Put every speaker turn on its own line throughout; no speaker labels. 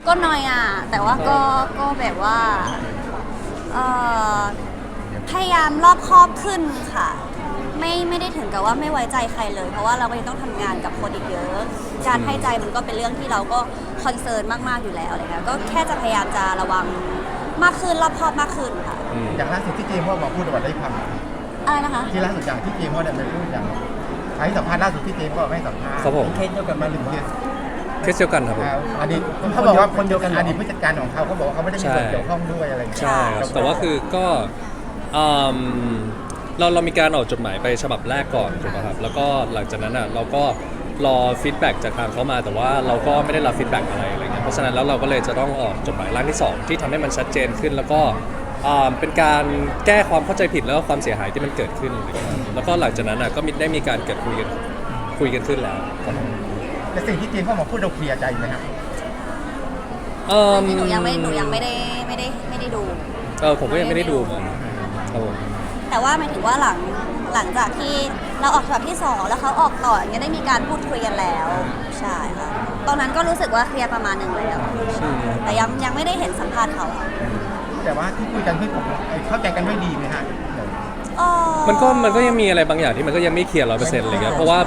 ก็น้อยอ่ะแต่ว่าก็แบบว่าเอ่อพยายามรอบคอบขึ้นค่ะไม่ได้ถึงกับว่าไม่ไว้ใจใครเลยเพราะว่าเราก็ยังต้องทำงานกับคนอีกเยอะการให้ใจมันก็เป็นเรื่องที่เราก็คอนเซิร์นมากๆอยู่แล้วอะไรเงี้ยก็แค่จะพยายามจะระวังมากขึ้นรอบคอบมากขึ้นค่ะ
อย่างล่าสุดที่เจมส์ว่ามาพูดว่าได้ความ
อะไรนะคะ
ที่ล่าสุดอย่างที่เจมส์ว่าได้ไปพูดอย่างให้สัมภาษณ์ล่าสุดที่เจมส์ก็ไม่สัมภาษณ์
ครับผม
เคสเดียวกันมาหนึ่งเคส
เคสเดียวกันครับผม
อดีตเขาบอกว่าคนเดียวกันอดีตผู้จัดการของเขาบอกว่าเขาไม่ได้มีส่วนเกี่ยวข้องด้วยอะไรอย่างเงี้ย
ใช่ครับแต่ว่าคือก็เรามีการออกจดหมายไปฉบับแรกก่อนถูกไหมครับแล้วก็หลังจากนั้นเราก็รอฟีดแบ็กจากทางเขามาแต่ว่าเราก็ไม่ได้รับฟีดแบ็กอะไรเงี้ยเพราะฉะนั้นแล้วเราก็เลยจะต้องออกจดหมายร่างที่2ที่ทำให้มันชัดเจนขึ้นแล้วก็เป็นการแก้ความเข้าใจผิดแล้วก็ความเสียหายที่มันเกิดขึ้นแล้วก็หลังจากนั้นก็ได้มีการเกิดคุยกันขึ้นแล้ว
แต่สิ่งที่เจมส์เขามาพูดเราเคลียร์ใจไหมครับ
หนูยังไม่ได้ดู
ผมก็ยังไม่ได้ดูเหมือนครับผม
แต่ว่าหมายถึงว่าหลังจากที่เราออกฉบับที่2แล้วเขาออกต่ออย่างเงี้ยได้มีการพูดคุยกันแล้วใช่ค่ะตอนนั้นก็รู้สึกว่าเคลียร์ประมาณหนึ่งแล้วแต่ยังไม่ได้เห็นสัมภาษณ์เขา
แต่ว่าที่คุยกันที่ผมเข้าใจกันด้วยดีไหมฮะ
มันก็ยังมีอะไรบางอย่างที่มันก็ยังไม่เคลียร์100%เลยครับเพราะว่า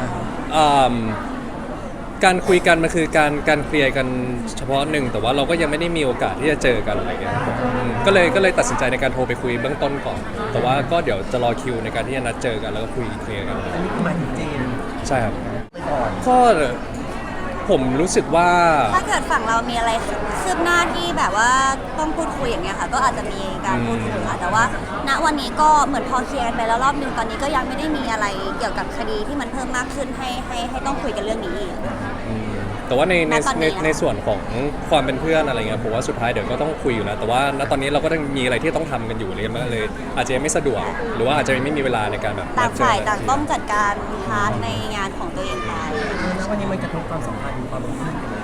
การคุยกันมันคือการเคลียร์กันเฉพาะหนึ่งแต่ว่าเราก็ยังไม่ได้มีโอกาสที่จะเจอกันอะไรเงี้ยก็เลยตัดสินใจในการโทรไปคุยเบื้องต้นก่อนแต่ว่าก็เดี๋ยวจะรอคิวในการที่จะนัดเจอกันแล้วก็คุยเคลียร์กัน
อันนี้คือหมายถึงเจน
ใช่ครับก็ผมรู้สึกว่า
ถ้าเกิดฝั่งเรามีอะไรคืบหน้าที่แบบว่าต้องพูดคุยอย่างเงี้ยค่ะก็อาจจะมีการพูดคุยค่ะแต่ว่าณวันนี้ก็เหมือนพอเคลียร์กันไปแล้วรอบนึงตอนนี้ก็ยังไม่ได้มีอะไรเกี่ยวกับคดีที่มันเพิ่มมากขึ้นให้ต้องคุยกันเรื่องนี้อีก
แต่ว่าในส่วนของความเป็นเพื่อนอะไรเงี้ยผมว่าสุดท้ายเดี๋ยวก็ต้องคุยอยู่นะแต่ว่าณตอนนี้เราก็ต้องมีอะไรที่ต้องทำกันอยู่เลยอาจจะไม่สะดวกหรือว่าอาจจะไม่มีเวลาในการแบบ
ต่างฝ่ายต่างต้องจัดการพาร์ทในงานของตัวเองไป
แล้ววันนี้มันกระทบความสัมพันธ์ความรู้สึกยังไง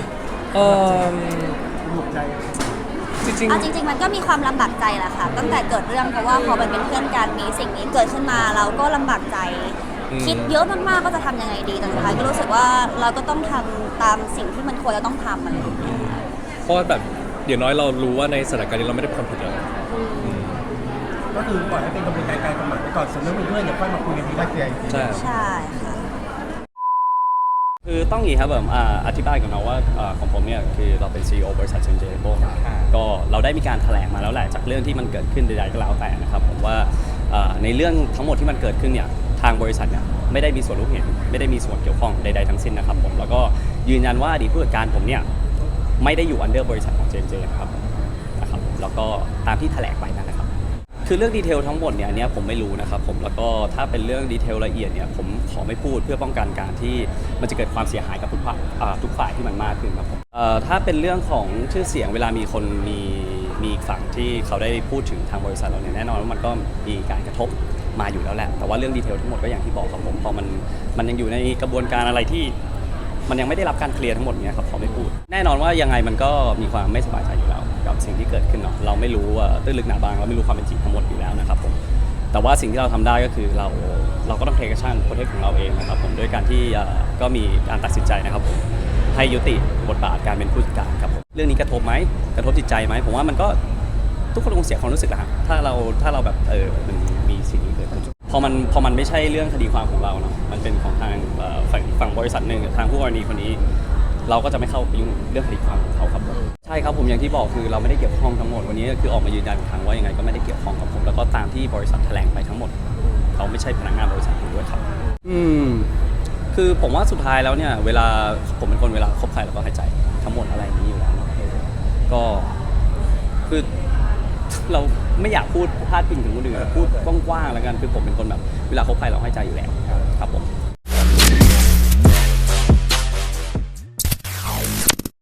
หนุกใจ
จริงมันก็มีความลำบากใจแหละค่ะตั้งแต่เกิดเรื่องเพราะว่าพอมันเป็นเพื่อนกันมีสิ่งนี้เกิดขึ้นมาเราก็ลำบากใจคิดเยอะมากๆก็จะทำยังไงดีแต่สุดท้ายก็รู้สึกว่าเราก็ต้องทำตามสิ่งที่มันควรจะต้องทำอะไรอย่างเงี้ย
เพราะแบบอย่างน้อยเรารู้ว่าในสถานการณ์นี้เราไม่ได้เป็นคนผิดเลย
ก็คือปล่อยให้เป็นกระบวนการกฎหมายไปก่อนส่วนเรื่องเพื่อนเดี๋ยวค่อยมาคุยกันทีหลัง
ใช่ค่ะ
คือต้องอย่างนี้ครับผมอธิบายก่อนนะว่าของผมเนี่ยคือเราเป็น CEO บริษัทเชนเจโบก็เราได้มีการแถลงมาแล้วแหละจากเรื่องที่มันเกิดขึ้นใดๆก็แล้วแต่นะครับผมว่าในเรื่องทั้งหมดที่มันเกิดขึ้นเนี่ยทางบริษัทเนี่ยไม่ได้มีส่วนรู้เห็นไม่ได้มีส่วนเกี่ยวข้องใดๆทั้งสิ้นนะครับผมแล้วก็ยืนยันว่าอดีตผู้จัดการผมเนี่ยไม่ได้อยู่อันเดอร์บริษัทของเจนะครับแล้วก็ตามที่แถลงไปนะครับคือเรื่องดีเทลทั้งหมดเนี่ยอันนี้ผมไม่รู้นะครับผมแล้วก็ถ้าเป็นเรื่องดีเทลละเอียดเนี่ยผมขอไม่พูดเพื่อป้องกันการที่มันจะเกิดความเสียหายกับทุกฝ่ายที่มันมากขึ้นครับผมถ้าเป็นเรื่องของชื่อเสียงเวลามีคนมีฝั่งที่เขาได้พูดถึงทางบริษัทเราเนี่ยแน่นอนว่ามันก็มีการกระทบมาอยู่แล้วแหละแต่ว่าเรื่องดีเทลทั้งหมดก็อย่างที่บอกครับผมพอมันยังอยู่ในกระบวนการอะไรที่มันยังไม่ได้รับการเคลียร์ทั้งหมดเนี่ยครับขอไม่พูดแน่นอนว่ายังไงมันก็มีความไม่สบายใจอยู่แล้วกับสิ่งที่เกิดขึ้นเนาะเราไม่รู้ว่าตื้นลึกหนาบางเราไม่รู้ความเป็นจริงทั้งหมดอยู่แล้วนะครับผมแต่ว่าสิ่งที่เราทำได้ก็คือเราก็ต้องเทคชั่นโปรเทคของเราเองนะครับผมด้วยการที่ก็มีการตัดสินใจนะครับผมให้ยุติบทบาทการเป็นผู้จัดการครับผมเรื่องนี้กระทบไหมกระทบจิตใจไหมผมว่ามันก็ทุกคนคงเสียความรู้สึกแหละถ้าเราแบบมันมีสิ่งนี้เกิดขึ้นพอมันไม่ใช่เรื่องคดีความของเราเนาะมันเป็นของทางฝั่งบริษัทหนึ่งทางผู้กรณีคนนี้เราก็จะไม่เข้าไปยุ่งเรื่องคดีความของเขาครับใช่ครับผมอย่างที่บอกคือเราไม่ได้เกี่ยวข้องทั้งหมดวันนี้คือออกมายืนยันอีกครั้งว่ายังไงก็ไม่ได้เกี่ยวข้องกับผมแล้วก็ตามที่บริษัทแถลงไปทั้งหมดเขาไม่ใช่พนักงานบริษัทด้วยครับคือผมว่าสุดท้ายแล้วเนี่ยเวลาผมเป็นคนเวลาคบใครเราก็ให้ใจทั้งหมดอะไรนี้อยู่แล้วก็คือเราไม่อยากพูดพาดพิงถึงคนอื่นพูดกว้างๆแล้วกันคือผมเป็นคนแบบเวลาคบใครเราให้ใจอยู่แล้วครับผม